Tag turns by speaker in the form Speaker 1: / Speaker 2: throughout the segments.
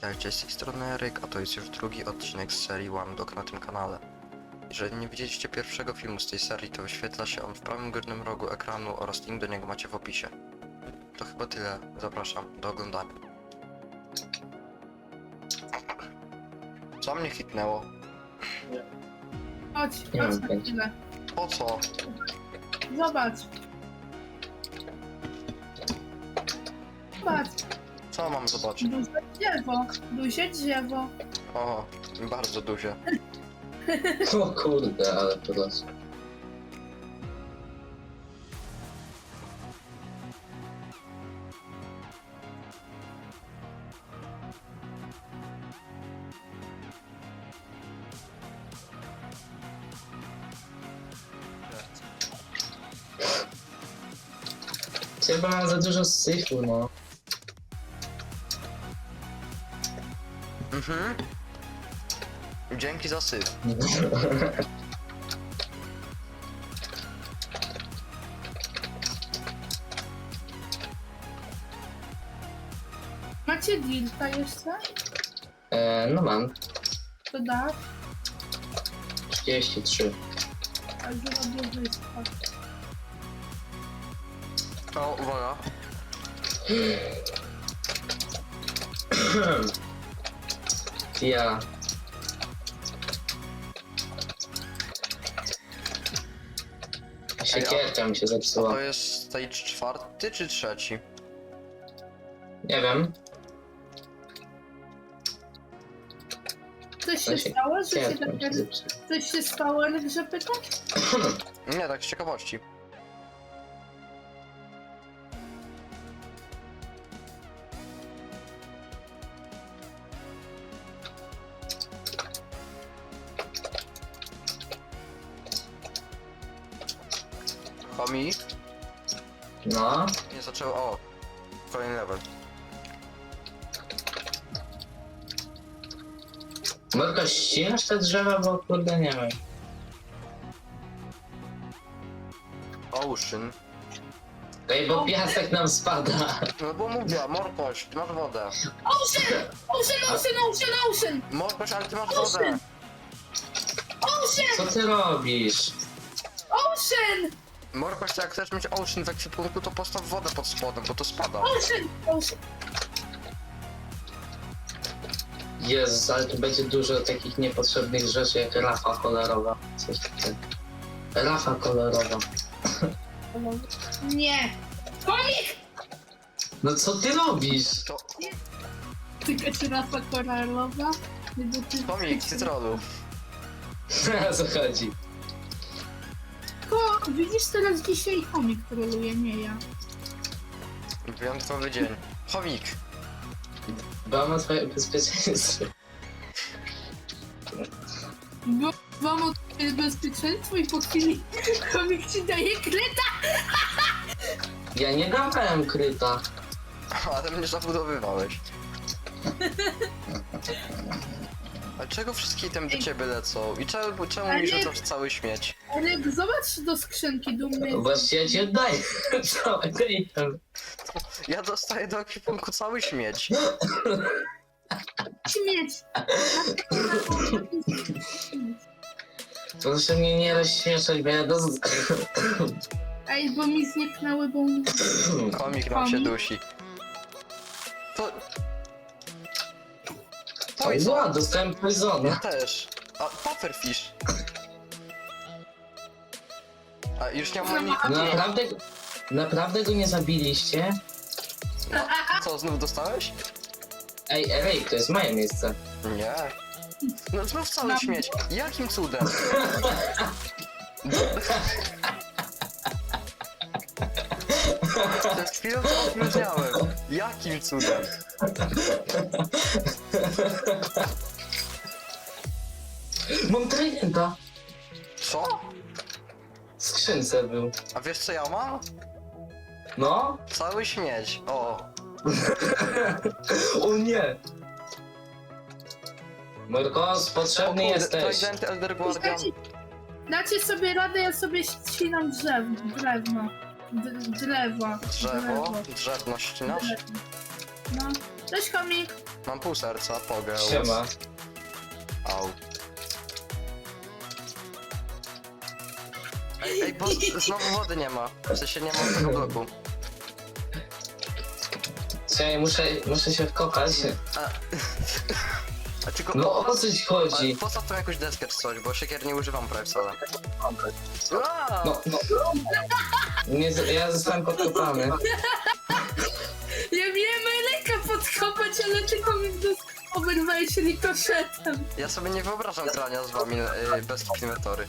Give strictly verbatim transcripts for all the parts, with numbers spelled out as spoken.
Speaker 1: Witajcie, z tej strony Eryk, a to jest już drugi odcinek z serii Łamdok na tym kanale. Jeżeli nie widzieliście pierwszego filmu z tej serii, to wyświetla się on w prawym górnym rogu ekranu oraz link do niego macie w opisie. To chyba tyle, zapraszam do oglądania. Co mnie hitnęło?
Speaker 2: Chodź,
Speaker 3: Nie
Speaker 2: chodź
Speaker 3: mam
Speaker 2: na
Speaker 3: pojęcia.
Speaker 2: chwilę.
Speaker 1: Po co?
Speaker 2: Zobacz. Zobacz.
Speaker 1: Co mam zobaczyć?
Speaker 2: Duże drzewo. Duże drzewo.
Speaker 1: O, bardzo duże.
Speaker 3: O kurde, ale to los. Chyba mam za dużo syfu, no.
Speaker 1: Mhm. Dzięki za syf.
Speaker 2: Macie dilta jeszcze?
Speaker 3: e, no mam.
Speaker 2: To da.
Speaker 3: trzydzieści trzy.
Speaker 2: A zrobię wyspę.
Speaker 1: O, uwaga.
Speaker 3: Ja. Siekierka mi się
Speaker 1: A
Speaker 3: zepsuła.
Speaker 1: to jest stage czwarty czy trzeci?
Speaker 3: Nie wiem.
Speaker 2: Coś
Speaker 3: To
Speaker 2: się stało, że się
Speaker 3: Siekierka
Speaker 2: tak...
Speaker 3: mi się zepsuła.
Speaker 2: Coś się stało, Eryk, że pytasz?
Speaker 1: Nie, tak z ciekawości. Homi?
Speaker 3: No.
Speaker 1: Nie zaczęło. O! Kolejny level.
Speaker 3: Może ścinasz te drzewa, bo kurde nie wiem.
Speaker 1: Ocean.
Speaker 3: Ej, bo piasek nam spada.
Speaker 1: No bo mówię, morkoś, ty masz wodę.
Speaker 2: Ocean! Ocean, ocean, ocean, ocean!
Speaker 1: Morkoś, ale ty masz
Speaker 2: Ocean!
Speaker 1: wodę.
Speaker 2: Ocean!
Speaker 3: Co ty robisz?
Speaker 2: Ocean!
Speaker 1: Morkoś, to jak chcesz mieć ocean w ekwipunku, to postaw wodę pod spodem, bo to spada.
Speaker 2: Ocean! Ocean!
Speaker 3: Jezus, ale tu będzie dużo takich niepotrzebnych rzeczy jak rafa kolorowa. Coś takiego. Rafa kolorowa.
Speaker 2: Nie! Komik!
Speaker 3: No co ty robisz?
Speaker 1: To
Speaker 2: Tylko czy rafa koralowa?
Speaker 1: komik, cytronu.
Speaker 3: O co chodzi?
Speaker 2: Ko, widzisz teraz dzisiaj komik troluje, nie ja.
Speaker 1: Wyjątkowy dzień. Chomik.
Speaker 3: Dbam o twoje bezpieczeństwo.
Speaker 2: Bo mam o twoje bezpieczeństwo i po chwili komik ci daje kreta.
Speaker 3: Ja nie dawałem kryta.
Speaker 1: Ale mnie zabudowywałeś. A czego wszystkie tam do ciebie lecą? I czemu, czemu
Speaker 2: Ale
Speaker 1: mi
Speaker 2: nie-
Speaker 1: rzucasz cały śmieć?
Speaker 2: Ale zobacz do skrzynki dumny.
Speaker 3: Właśnie ja ci oddaję całego item.
Speaker 1: Ja dostaję do ekwipunku cały śmieć.
Speaker 2: Śmieć.
Speaker 3: Proszę mnie nie rozśmieszać, bo ja do...
Speaker 2: Ej, bo mi zniknęły, bo mi...
Speaker 1: Komik nam się
Speaker 2: Komik?
Speaker 1: dusi. To...
Speaker 3: O,
Speaker 1: Poison.
Speaker 3: ja dostałem
Speaker 1: Ja
Speaker 3: poisona.
Speaker 1: też. A, pufferfish. A już nie mam ani...
Speaker 3: Naprawdę... Naprawdę go nie zabiliście?
Speaker 1: Co, znów dostałeś?
Speaker 3: Ej, ej, to jest moje miejsce.
Speaker 1: Nie. No znów cały
Speaker 2: Mam-
Speaker 1: śmieć. Jakim cudem? Przed chwilą to opróżniałem. Jakim cudem?
Speaker 3: Mam tridenta.
Speaker 1: Co?
Speaker 3: W skrzynce był.
Speaker 1: A wiesz co ja mam?
Speaker 3: No?
Speaker 1: Cały śmieć. O.
Speaker 3: O nie! Morkos, potrzebny jesteś.
Speaker 1: Trident Elder Guardian.
Speaker 2: Dacie, dacie sobie radę, ja sobie ścinam drzew, drewno. D drzewa.
Speaker 1: Drzewo. Drzewno ścinasz?
Speaker 2: No. Cześć komik.
Speaker 1: Mam pół serca, pogeł.
Speaker 3: Siema.
Speaker 1: Au. Ej, ej, bo znowu wody nie ma. W sensie nie ma tego bloku.
Speaker 3: Czekaj, muszę, muszę się wkopać.
Speaker 1: A, a tylko...
Speaker 3: No o co ci
Speaker 1: Ale
Speaker 3: chodzi?
Speaker 1: postaw tam jakąś deskę czy coś, bo siekier nie używam prawie wcale. Aaa!
Speaker 3: No, no. Nie, z- ja zostałem podkopany.
Speaker 2: Ja miałem Eleka podkopać, ale tylko mi w dos- oberwałeś rikoszetem.
Speaker 1: Ja sobie nie wyobrażam grania z wami yy, bez inwentory.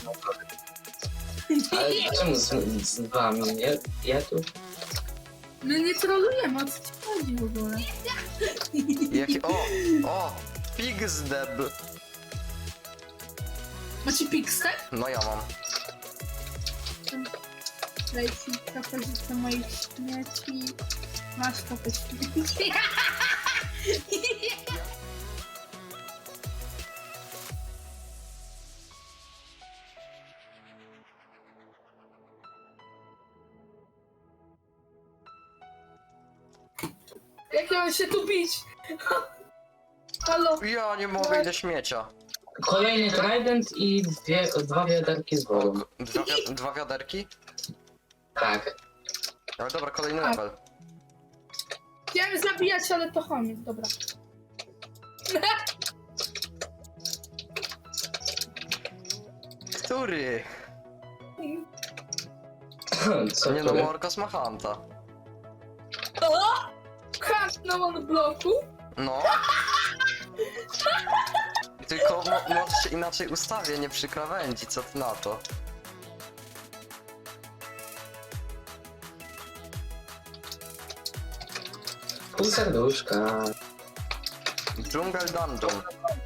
Speaker 3: Ale czemu z, z wami? Ja, ja tu?
Speaker 2: My nie trolujemy, o co ci chodzi w ogóle?
Speaker 1: Jaki... O! O! Pigzdeb!
Speaker 2: Macie pikstek?
Speaker 1: No ja mam.
Speaker 2: Daj ci propozycję moich śmieci. Masz kopę śmieci. Jak ja mam się tu bić? Halo?
Speaker 1: Ja nie mogę, ile śmiecia.
Speaker 3: Kolejny trident i dwie, dwa wiaderki z
Speaker 1: O,
Speaker 3: wodą.
Speaker 1: k- dwa, wi dwa wiaderki?
Speaker 3: Tak.
Speaker 1: Ale dobra, kolejny level.
Speaker 2: Chciałem zabijać, ale to koniec, dobra.
Speaker 1: Który?
Speaker 3: Co
Speaker 1: Nie no,
Speaker 3: który?
Speaker 1: Morkos ma Hanta.
Speaker 2: O! Kant na one bloku?
Speaker 1: No. Tylko mo może się inaczej ustawię, nie przy krawędzi, co ty na to?
Speaker 3: Pół serduszka.
Speaker 1: Jungle Dungeon.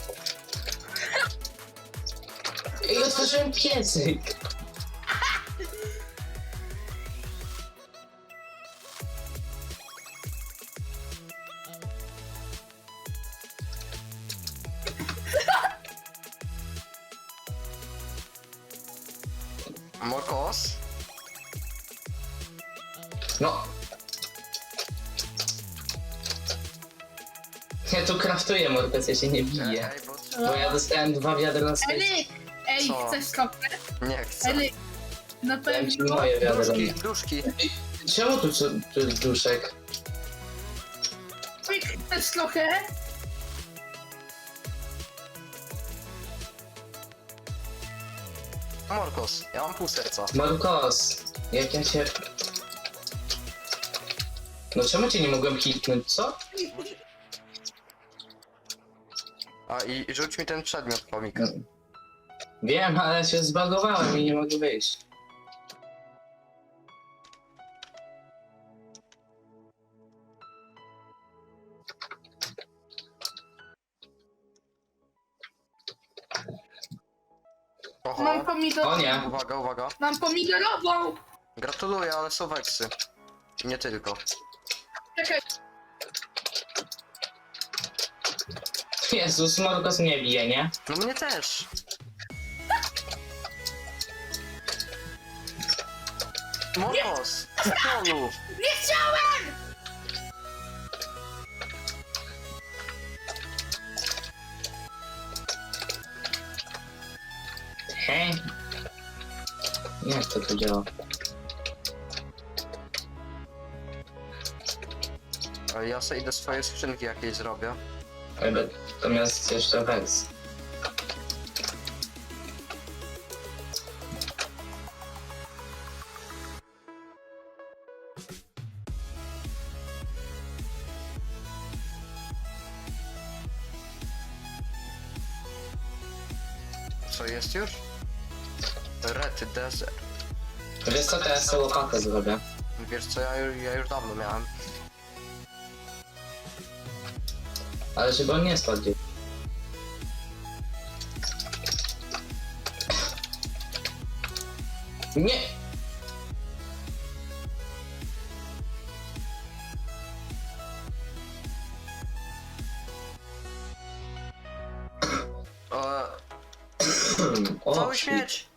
Speaker 3: I otworzyłem piecyk.
Speaker 1: Morkos?
Speaker 3: No. Ja tu kraftuję, Morpes, ja się nie biję.
Speaker 1: Ej, bo...
Speaker 3: Bo ja dostałem dwa wiadra na swoje.
Speaker 2: Elik! Ej,
Speaker 1: Co?
Speaker 2: chcesz trochę?
Speaker 1: Nie chcę.
Speaker 2: Elik! Na
Speaker 3: Dałem ci
Speaker 2: pewno.
Speaker 3: moje wiadra.
Speaker 1: Duszki, duszki.
Speaker 3: Czemu tu, tu jest duszek?
Speaker 2: Elik, chcesz trochę?
Speaker 1: Morkos, ja mam pół serca.
Speaker 3: Markos, jak ja się... No czemu cię nie mogłem hitnąć, co?
Speaker 1: A i rzuć mi ten przedmiot, komik.
Speaker 3: Wiem, ale się zbagowałem i nie mogę wyjść.
Speaker 1: Oho.
Speaker 2: Mam pomidor...
Speaker 3: O nie.
Speaker 1: Uwaga, uwaga.
Speaker 2: Mam pomidorową!
Speaker 1: Gratuluję, ale są weksy. I nie tylko.
Speaker 2: Czekaj,
Speaker 3: Jezus, Markos mnie bije, nie?
Speaker 1: No mnie też. Morkos! Trollu!
Speaker 2: nie chciałem!
Speaker 3: Hej. Jak to tu działa?
Speaker 1: A ja sobie idę swoje skrzynki jakieś zrobię.
Speaker 3: Ale natomiast jeszcze weks.
Speaker 1: Co jest już? Red Desert.
Speaker 3: Wiesz co, teraz sobie łopatę zrobię.
Speaker 1: Wiesz co, ja, ju- ja już dawno miałem.
Speaker 3: Ale żeby on nie spadł. Nie!
Speaker 1: Eee,
Speaker 3: O,
Speaker 1: cały śmieć!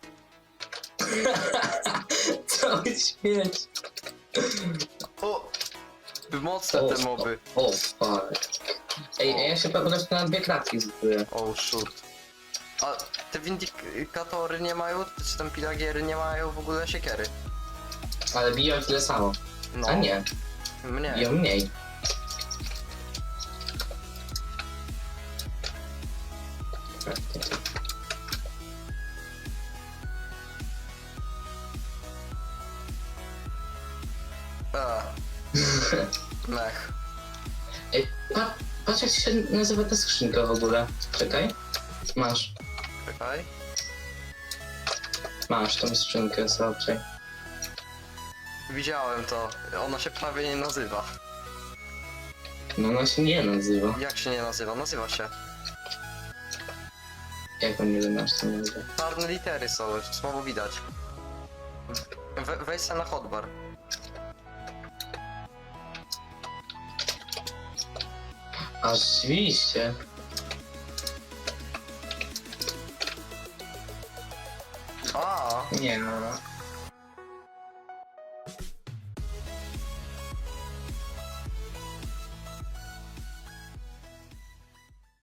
Speaker 3: Cały śmieć!
Speaker 1: O! Mocne
Speaker 3: O,
Speaker 1: te moby.
Speaker 3: O, fuck. Ej, ja się po prostu na dwie klatki zbuduję.
Speaker 1: Oh shurt. A te windykatory nie mają, czy tam pilagiery nie mają w ogóle siekiery?
Speaker 3: Ale biją tyle samo.
Speaker 1: No.
Speaker 3: A nie,
Speaker 1: Mnie.
Speaker 3: biją mniej.
Speaker 1: A. Mech.
Speaker 3: Ej, pa, patrz jak się nazywa ta skrzynka w ogóle. Czekaj. Masz,
Speaker 1: Czekaj.
Speaker 3: masz tą skrzynkę, zobaczaj.
Speaker 1: Widziałem to. Ona się prawie nie nazywa.
Speaker 3: No ona się nie nazywa.
Speaker 1: Jak się nie nazywa? Nazywa się.
Speaker 3: Jak on nie wiem, jak się nazywa.
Speaker 1: Czarne litery są, słabo widać. We, wejdź se na hotbar.
Speaker 3: A rzeczywiście.
Speaker 1: A,
Speaker 3: Nie no.